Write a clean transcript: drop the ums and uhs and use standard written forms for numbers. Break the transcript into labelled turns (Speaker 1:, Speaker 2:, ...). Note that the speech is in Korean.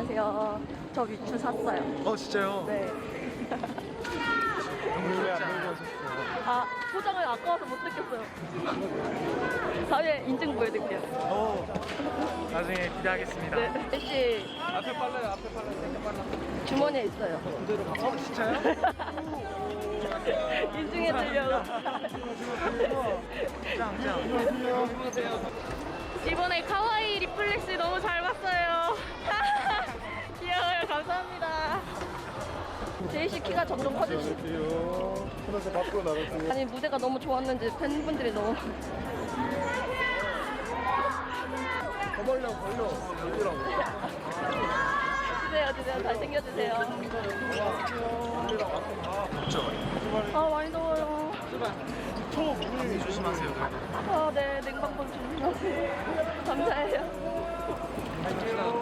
Speaker 1: 안녕하세요. 저 위추 샀어요.
Speaker 2: 진짜요?
Speaker 1: 네.
Speaker 2: 왜안 들고 오셨어요?
Speaker 1: 아, 포장을 아까워서 못 듣겠어요. 다음에 인증 보여드릴게요.
Speaker 2: 나중에 기대하겠습니다.
Speaker 1: 네. 혹시
Speaker 2: 앞에 빨라요, 앞에 빨라요, 되게 빨라.
Speaker 1: 주머니에 있어요.
Speaker 2: 진짜요?
Speaker 1: 인증해드리려고.
Speaker 2: 짱.
Speaker 1: 이번에 카와이 리플렉스 너무 잘 봤어요. 귀여워요. 감사합니다. 제이씨 키가 점점 커지시.
Speaker 2: 하나씩 밖으로 나가세요.
Speaker 1: 아니 무대가 너무 좋았는지 팬분들이 너무.
Speaker 2: 걸려.
Speaker 1: 주세요. 잘생겨주세요.
Speaker 2: 그렇죠.
Speaker 1: 많이 더워요.
Speaker 2: 감기 조심하세요.
Speaker 1: 네. 냉방병 조심하세요. 감사해요.